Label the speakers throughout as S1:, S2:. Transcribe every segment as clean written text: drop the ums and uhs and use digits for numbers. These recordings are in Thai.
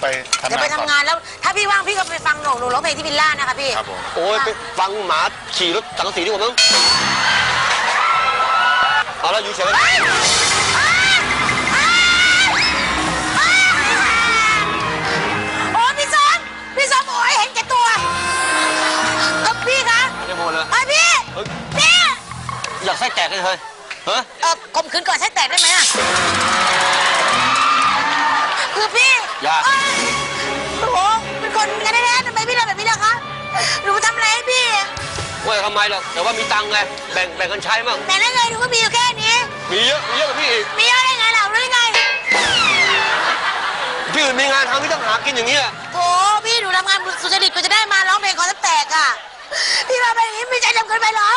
S1: ไปทำงาน
S2: เดี๋ยวไปทำงานแล้วถ้าพี่ว่างพี่ก็ไปฟังหนูร้องเพลงที่วิลล่านะคะพี่
S1: ครับผม
S3: โอ้ยไปฟังหมาขี่รถสังกะสีดีกว่ามั้งเอาแล้วอยู่เฉยๆ
S2: โอ้พี่สมโอ้ยเห็นแก่ตัวพี่คะ
S3: ไม่หมดเลย
S2: พี่พี่
S3: อยากไส้แตกเลยเฮ้ยฮะ
S2: ข่มขืนก่อนใช้แตกได้ไหมอะคือพี่
S3: อยาก
S2: โอ้โหเป็นคนกันแน่ๆทำไมพี่ทำแบบนี้ล่ะคะหนูทำอะไรให้พี่
S3: ว่าทำไมหรอกแต่ว่ามีตังค์ไงแบ่งกันใช้มั่ง
S2: แต่ได้ไงหนูก็มีอยู่แค่นี้
S3: มีเยอะกว่าพี่อีก
S2: มีเยอะได้ไงเราหรือไง
S3: พี่อื่นมีงานทำพี่ต้องหากินอย่างนี้
S2: โอ้พี่หนูทำงานสุจริตก็จะได้มาร้องเพลงคอแตกอ่ะพี่มาแบบนี้ไม่ใจดำเกินไปหรอ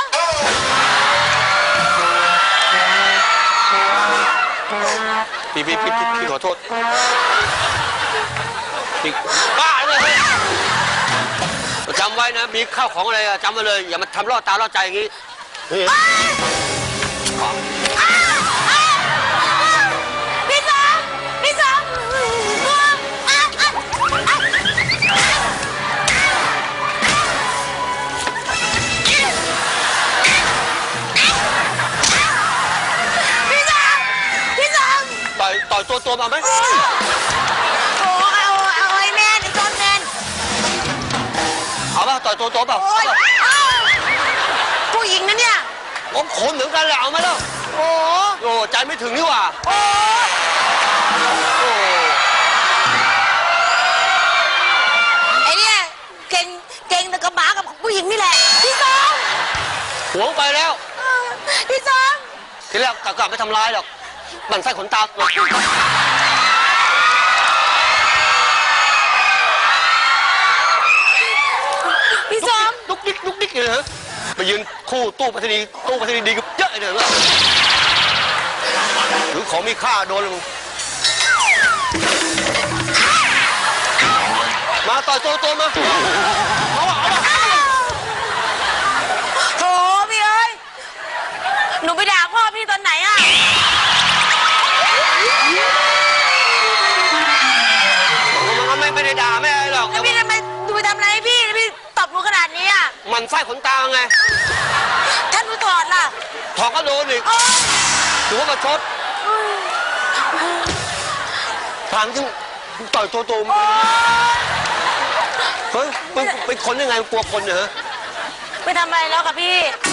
S3: พี่ขอโทษพี่บ้าเลยจำไว้นะมีข้าวของอะไรจำไว้เลยอย่ามาทำล่อตาล่อใจอย่างนี้
S2: พี่สอง
S3: ต่อยตัวมาไหม
S2: โอ้เอาไอ้แมนไอ้จอนแมน
S3: เอาป่ะต่อยตัวเปล่า
S2: ผู้หญิงนะเนี่ย
S3: ผมขนเหมือนกันแหละเอาไหมล่ะโอ้ใจไม่ถึงนี่หว่า
S2: ไอ้เนี่ยเก่งแต่กับหมากับผู้หญิงนี่แหละพี่สอง
S3: หวงไปแล้ว
S2: พี่สอง
S3: ทีแรกกลับไม่ทำร้ายหรอกมันไส้ขนตา
S2: พี่สม
S3: ลุกดิ๊กเลยฮะไปยืนคู่ตู้ไปรษณีย์ดีกับเยอะเลยหรือของมีค่าโดนเลยมึงมาต่อยตัวมาเอา
S2: โถพี่เอ้ยหนูไปด่าพ่อพี่ตอนไหนอ่ะ
S3: ไม่ได้ด่าไม่อะไรหรอก
S2: แล้วพี่ทำไมดูไปทำอะไรให้พี่ตบหนูขนาดนี้อ่ะ
S3: มันไส้ขนตาไง
S2: ถ้าหนูถอดล่ะ
S3: ถอดก็โดนอีกถือว่ามาชดถามจริงต่อยตัวเฮ้ยเป็นคนยังไงกลัวคนเหรอ
S2: ไม่ทำอะไรแล้วกับพี่